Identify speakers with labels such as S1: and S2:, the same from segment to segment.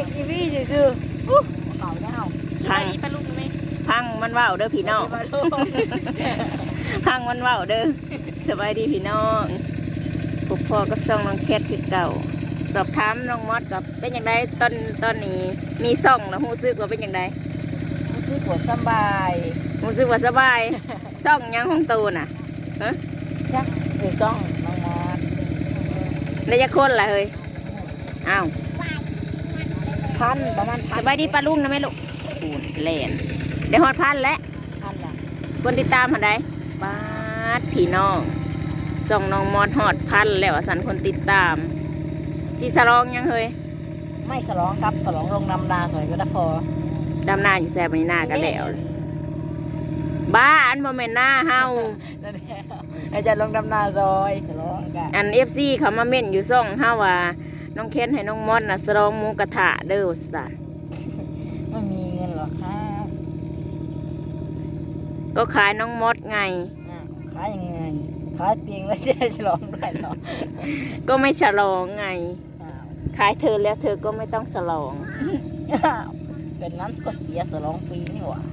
S1: อีวี่ซื่อๆเก่าเน่า
S2: พังปลาลูกไหมพังมันว่าวเด้อพี่น้องพังมันว่าวเด้อสบายดีพี่น้องพวกพ่อกับซ่องน้องแคทคือเก่าสอบถามน้องมอดกับเป็นอย่างไรตอนนี้มีซ่องแล้วหูซึกว่าเป็นอย่างไร
S1: รู้สึกว่าสบาย
S2: หูซึกว่าสบายซ่องยังห้องตูน่ะฮะ
S1: จักคือซ่องน้องมอส
S2: ได้จะคนละเฮ้ยอ้าว
S1: พันประมาณ
S2: สบายดีปลาลุงนะแม่ลูกปูนแลนได้ฮอดพันแล้ว
S1: พันละ
S2: คนติดตามหันใดบาดพี่น้องส่องน้องมอดฮอดพันแล้วสันคนติดตามจีสลองยังเฮ้ย
S1: ไม่ฉลองครับฉลองลงนำนาสวยก็ได้พอ
S2: ดำนาอยู่แซ่บนี่หน้ากันแล้วบ้าอันโมเมนหน้าเฮา
S1: นั่นแหละอาจารย์ลงนำนาซอยฉลองกัน
S2: อันFCเขามาเม่นอยู่ซ่องเฮาว่าน้องเค้นให้น้องมอดน่ะสลองหมูกระทะเด้อสัน
S1: ไม่มีเงินหรอกครับ
S2: ก็ขายน้องมอดไง
S1: ขายยังไงขายเตียงแล้วจะได้ฉลองได้หรอ
S2: ก็ไม่ฉลองไงขายเธอแล้วเธอก็ไม่ต้องฉลอง
S1: เป็นนั้นก็เสียฉลองฟรีนี่หว่า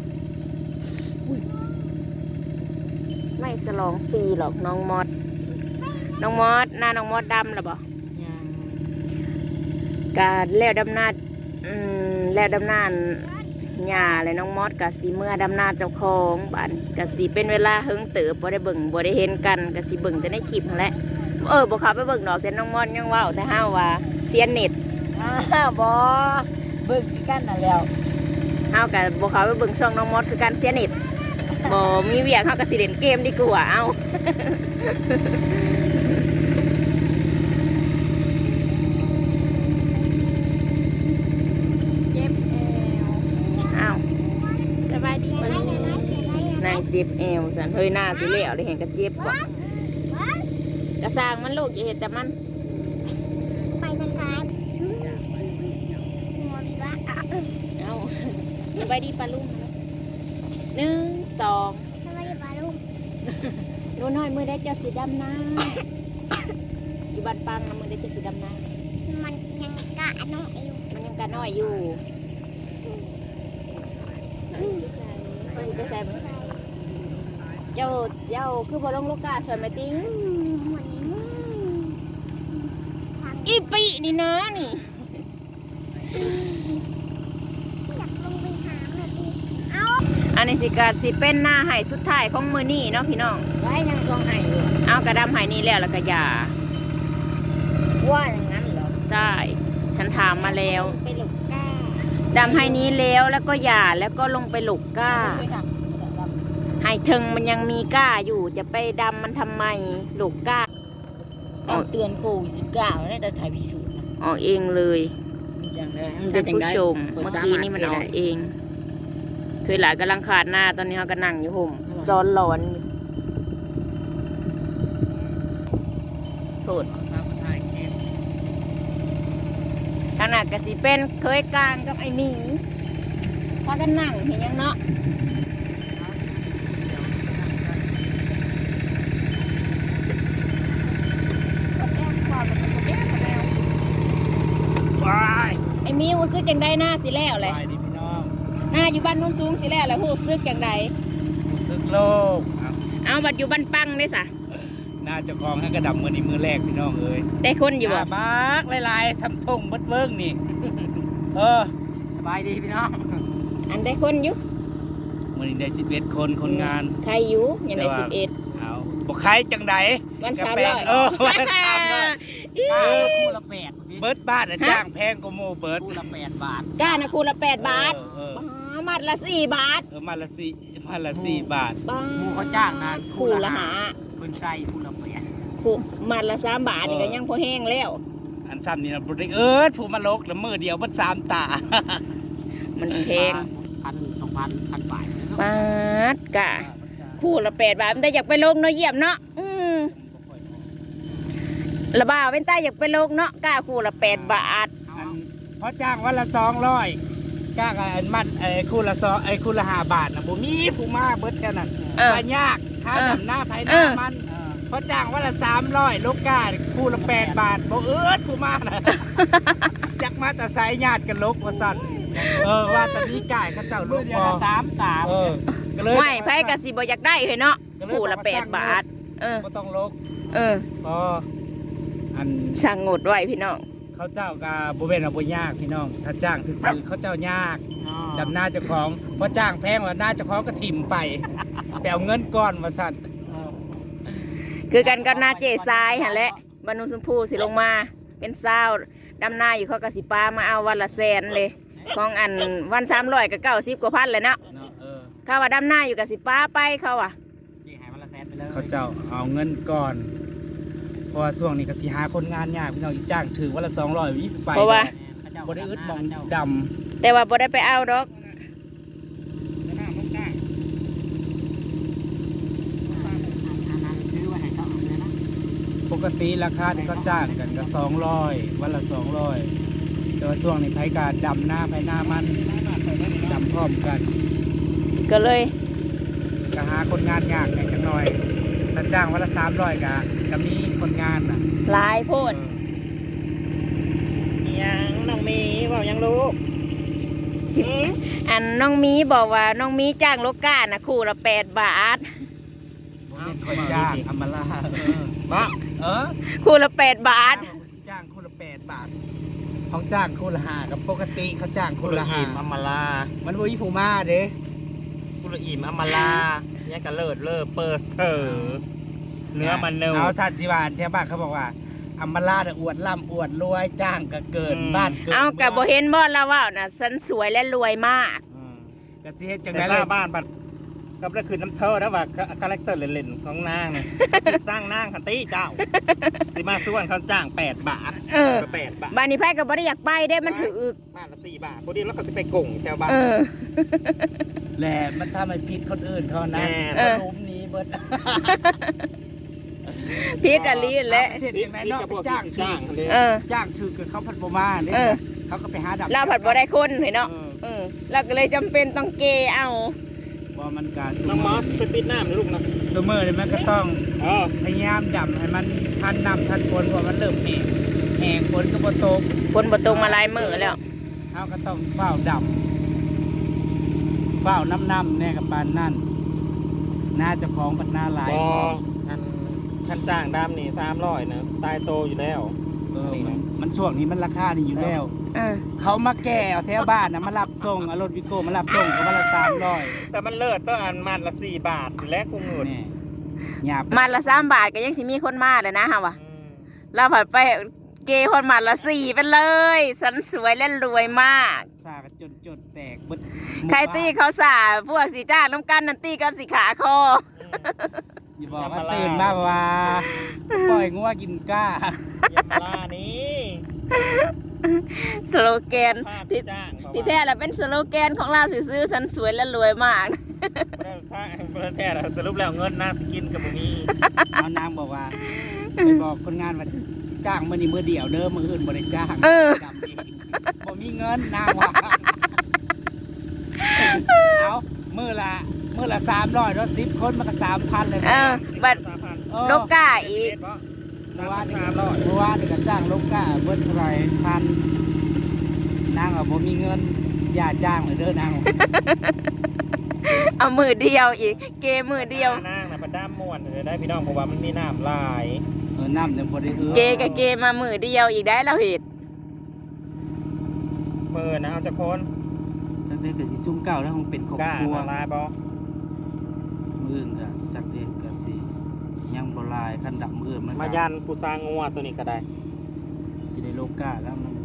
S2: ไม่ฉลองฟรีหรอกน้องมอดน้องมอดหน้าน้องมอดดำหรอบ่
S1: ยัง
S2: การแล้วดำนาแล้วดำนาหญ้าเลยน้องมอดกับสีเมื่อดำนาเจ้าของบ้านกับสีเป็นเวลาเฮิงเติบบ่ได้เบิ่งบ่ได้เห็นกันกับสีเบิ่งแต่ในคลิปนั่นแหละบ่เขาไปเบิ่งดอกแต่น้องมอดยังว่าแต่ห้าว่าเสียเน็ต
S1: บอเบิ่งกันน่ะแล้ว
S2: ห้ากับบ่เขาไปเบิ่งซ่องน้องมอดคือการเสียเน็ตบ่มีเวียกเฮากับสิเล่นเกมดีกว่าเอาสบายดีมั้ยนางเจ็บเอวสันเฮ้ยหน้าสิเละเลยเห็นกระเจ็บก่อนกระสร้างมันลูกอย่าเห็นแต่มัน
S3: ไปนะครับหมดละ
S2: เอาสบายดีปลาลุง1 2
S3: สวัสดีปาลุง
S2: โน่นน้อยมือได้เจ้าสีดำนะอยู่บ้านปังนะมือได้เจ้าสีดำนะ
S3: มันยังกะน้องเอว
S2: มันยังกะน้อยอยู่ไปใส่เจ้าคือพอลงลูกกาสวยไหมติ้ง
S3: เหมือนสั่ง
S2: อีปีนี่นะนี่
S3: อยากลงไปหาแม่ตีเอา
S2: อันนี้สิกาสิเป็นหน้าไห้สุดท้ายของมือนี่เนาะพี่น้อง
S1: ไว้ยังต้องให้อยู่
S2: เอากระดำไห้นี่แล้วก็อย่า
S1: ว่าอย่างนั้นเหรอ
S2: ใช่ฉันถามมาแล้ว
S1: ไปหลบก้า
S2: ดำไห้นี้แล้วก็อย่าแล้วก็ลงไปหลกก้า
S1: ไปทำ
S2: ไห้เทิงมันยังมีก้าอยู่จะไปดำมันทำไมหลกก้า
S1: ต้องเตือนโควิด19ได้แต่ถ่ายพิสูจน์นะ
S2: ออกเองเลย
S1: อย่างไร
S2: ท่านผู้ชมเมื่อกี้นี่มันออกเองเคยหลายกำลังขาดหน้าตอนนี้เขาก็นั่งอยู่ห่มซ้อนร้อนโทษขนาดกสิเป็นเคยกลางกับไอ้หมีพากันนั่งเห็นยังเนาะไอ้หมีหูซึกจังได้หน้าสิแล้วเลย
S4: ไปดิพี่น้อง
S2: หน้าอยู่บ้านโนุ่นสูงสิแล้วหูซึกจังใด
S4: รู้สึกโลก
S2: เอาบัดอยู่บ้านปังได้สะ
S4: หน้าเจ้าของให้กระดับมือนี้มือแรกพี่น้องเอ้ย
S2: ได้คนอยู่บ่
S4: บากหลายๆสำทงเบิดเบิ้งนี่ สบายดีพี่น้อง
S2: อันได้คนอยู่
S4: มือนี้ได้11 คนคนงาน
S2: ใครอยู่ยังได้11
S4: เอาบอกใครจังใด
S2: วัน
S4: กระ
S2: 300
S4: แปงวัน300
S1: คู่ละ8
S4: เบิดบ้านอะจ้างแพงกว่าโมเบิด
S1: คู่ละ8 บาท
S2: ก้านะคูละ8 บาท
S4: เออ
S2: มัดละ4 บาท
S4: มาละ4 บาท
S2: บ้า
S1: หมูเขาจ้างนะ
S2: คูละหา
S1: เป็นไส้คู่ละ8
S2: คูมัดละ3 บาทนี่ก็ยังพอแห้งแล้ว
S4: อันซ้ำนี่นะบริผู้มาลกแล้วมือเดียวเบิด3 ตา
S2: มันแพง
S1: 1,000-2,000 บาท
S2: บาทกะคู่ละ8 บาทมันได้อยากไปลงเนาะเยี่ยมเนาะละบ่าวเป็นใต้อยากไปลงเนาะก้าคู่ละ8 บาท
S4: อันเพราะจ้างวันละ200ก้ากับอันมันคู่ละ5 บาทนะบ่มีผู้มาเบิดแค่นั้น
S2: เออ
S4: ไปยากค่าดำหน้าไผห
S2: เอ
S4: น้า
S2: อ
S4: มันเพราะจ้างวันละ300ลูกกาคู่ละ8 บาทบ่เอิ้นผู้มาน่ะ จักมาแต่สายญาติกันลกว่าสั่นว่าตอนนี้กายเขาเจ้าลูกพอ3 ตาก็เลย
S2: ไม่ไผก็สิบ่อยากได้เฮ้ยเนาะคู่ละ8 บาท
S4: บ่ต้องลกพออัน
S2: สั่งงดไว้พี่น้อง
S4: เขาเจ้าก็บ่แม่นว่าบ่ยากพี่น้องถ้าจ้างถึกๆเขาเจ้ายากดำหน้าเจ้าของเพราะจ้างแพงว่าหน้าเจ้าของก็ถิ่มไปไปเอาเงินก้อนว่าสั่น
S2: คือกันกับนาเจทรายหั่นแหละบรรนุชมพูสิลงมาเป็นซาวดำนาอยู่เขาก็สิปามาเอาวันละแสนเลยของอันวัน300ก็90กว่าพันเลยเนาะเขาว่าดำนาอยู่กับสิปาไปเขาอ่ะ
S4: เขาเจ้าเอาเงินก่อนเพราะว่าช่วงนี้ก็สิหาคนงานยากพี่น้องอีจ้างถือวันละ200วิไป
S2: เพราะว่า
S4: บ่ได้อึดมองดำ
S2: แต่ว่าบ่ได้ไปเอาดอก
S4: ปกติราคาที่เขาจ้างกันก็200วันละ200แต่ว่าช่วงนี้ไผการดำหน้าไผหน้ามันดำพร้อมกัน
S2: ก็เลย
S4: ก็หาคนงานยากแหน่จังหน่อยถ้าจ้างวันละ300ก็มีคนงานน่ะ
S2: หลายโพด
S4: ยังน้องมีว่ายังรู้
S2: อันน้องมีบอกว่าน้องมีจ้างโลก้านะคู่ละ8 บาท
S4: เป็นคนจ้างอำมาลาบ้า
S2: คู่ละ8 บาท
S4: จ้างคู่ละ8 บาทเขาจ้างคู่ละ5กับปกติเขาจ้างคู่ละ5อำมาลามันบ่มีผู้มาเด้คู่ละอิ่มอำมาลาเนี่ยก็เลิศเปิดเสือเนื้อมันเนื้อเอาสัตว์จีวานแถวบ้านเขาบอกว่าอำมาลาอวดล่ำอวดรวยจ้างก็เกินบ้าน
S2: เอากับบ่เห็นบ่แล้วว่าน่ะฉันสวยและรวยมาก
S4: ก็สิเฮ็ดจังได๋ล่ะบ้านบัดกับนั่นคือน้ำเท่านะว่าคาแรคเตอร์เล่นๆของนางเนี่ยสร้างนางคันตี้เจ้าสิมาส่วนเขาจ้าง8 บาทก็8 บาท
S2: บ้านนี้ไผก็บ่ได้อยากไปได้มันถือ
S4: บ้านละ4 บาทพอดีแล้วเขาจะไปก่งแถวบ้านแหละมันทำให้ผิดคนอื่นเขานะล้มนี้เบิด
S2: พิษอลีแหละ
S4: เสร็จอย่างไรเนาะจ้างจ้างถือกับเขาพัดบ่มาเนี่ยเขาก็ไปหาดับ
S2: เราผัดบ่ได้คนเนาะเราก็เลยจำเป็นต้องเกเอา
S4: ว่ามันการน้องมอสไปปิดน้ำนะลูกนะซูเมอร์เนี่ยมันก็ต้องพยายามดับให้มันทันน้ำทันฝนเพราะมันเริ่มแห้งฝนก็บ่ตก
S2: มาหลายมื้อแล้ว
S4: เขาก็ต้องเฝ้าดับเฝ้าน้ำเนี่ยกับปานนั่นน่าจะคล้องปัดหน้าลายท่านจ้างดำนี่300นะตายโตอยู่แล้วมันช่วงนี้มันราคานี่อยู่แล้วเขามาแก่เอาแถวบ้านนะมารับส่งรถวิโก้มารับส่งก็มาละ300แต่มันเลิศต้องอันมันละ4 บาทและกูเงิน
S2: มันละ3 บาทก็ยังสิมีคนมาเลยนะฮะวะเราผัดไปเกย์คนมันละ4ไปเลยสันสวยและรวยมาก
S4: สากันจนแตกบึด
S2: ใครตีเขาสาพวกสีจ้าน้ำกันนันตีกันสีขาคอ
S4: อย่าบอกว่าตื่นมาว่าปล่อยงัวกินก้าอย่ามาล่านี้
S2: สโลแกนที่แท้แล้วเป็นสโลแกนของเราซื้อสันสวยและรวยมาก
S4: แท้สรุปแล้วเงินนางสกินกับมึงนี่เอานางบอกว่าไปบอกคนงานว่าจ้างมื้อนี้มื้อเดียวเด้อมื้ออื่นบ่ได้จ้างบ่มีเงินนางว่าเอามื้อละ300แล้ว10 คนมันก็ 3,000 เลย
S2: บัดโลก้าอีก
S4: เมื่อวานนี่ก็จ้างโลก้าเบิดเท่าไหร่1,000นางว่าบ่มีเงินอย่าจ้างเลยเด้อนาง
S2: เอามือเดียวอีกเกมือเดียวน
S4: างน่ะบ่ด้ามม่วนจะได้พี่น้องเพราะว่ามันมีน้ำหลายน้ำเนี่ยบ่ได้
S2: เกกับเกมามือเดียวอีกได้เราเฮ็ด
S4: มื้อนะเอาจักคนจักได้ก็สิซุ่มเก่าแล้วคงเป็นครอบครัวลายบ่มื้อก็จักเด้ก็สิยังบ่ลายคันดับมื้อมันมายันผู้สร้างงัวตัวนี้ก็ได้สิได้โลกาแล้วมัน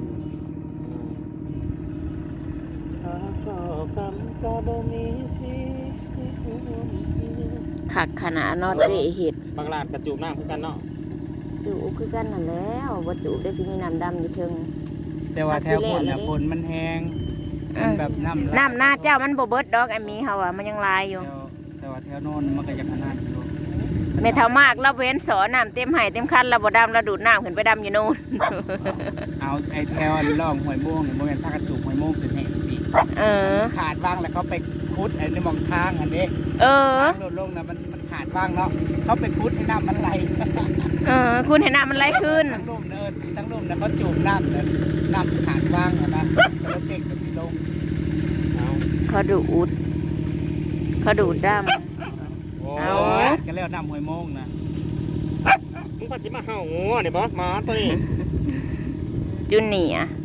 S2: ขักขนาดนอเจเห็ด
S4: บางลาดกระจูบน้ำคือกันเนาะ
S2: จูบคือกันนั่นแล้วว่าจูบได้สิมีน้ำดำอยู่เทิง
S4: แต่ว่าแถวฝนฝนมันแห้งแบบน้
S2: ำหน้าเจ้ามันบ่เบิดดอกไอ้มีเฮาอ่ะมันยังลายอยู่
S4: แต่ว่าแถวโน่นมันก็จะขนาดอยู่
S2: แม่เท่ามากเราเว้นสอน้ำเต็มไห่เต็มคันเราบ่ดำเราดูดน้ำขึ้นไปดำอยู่โน่น
S4: เอาไอ้แถวล่องหอยม่วงเนี่ยโมเมนต์ถ้ากระจูบหอยม่วงเป็นแห่งปีขาดบ้างแล้วเขาไปคุดไอ้ในมองทางอันนี้ลดลงนะมันขาดดว่างเนาะเขาไปคุดให้น้ำมันไหล
S2: คุณเห็นน้ำมันไหลขึ้น
S4: ทั้งลุ่มเนินทั้งลุ่มนะเขาจูบน้ำเลยน้ำขาดว่างอะนะแล้วเก่งกับพี่ลงเอา
S2: เขาดูดดำ เอา
S4: ก็แล้วน้ำหวยโมงนะ
S5: มึงพันสิมาเห่างูเนี่ยบอสหมาตัวนี้
S2: จุนเนียร์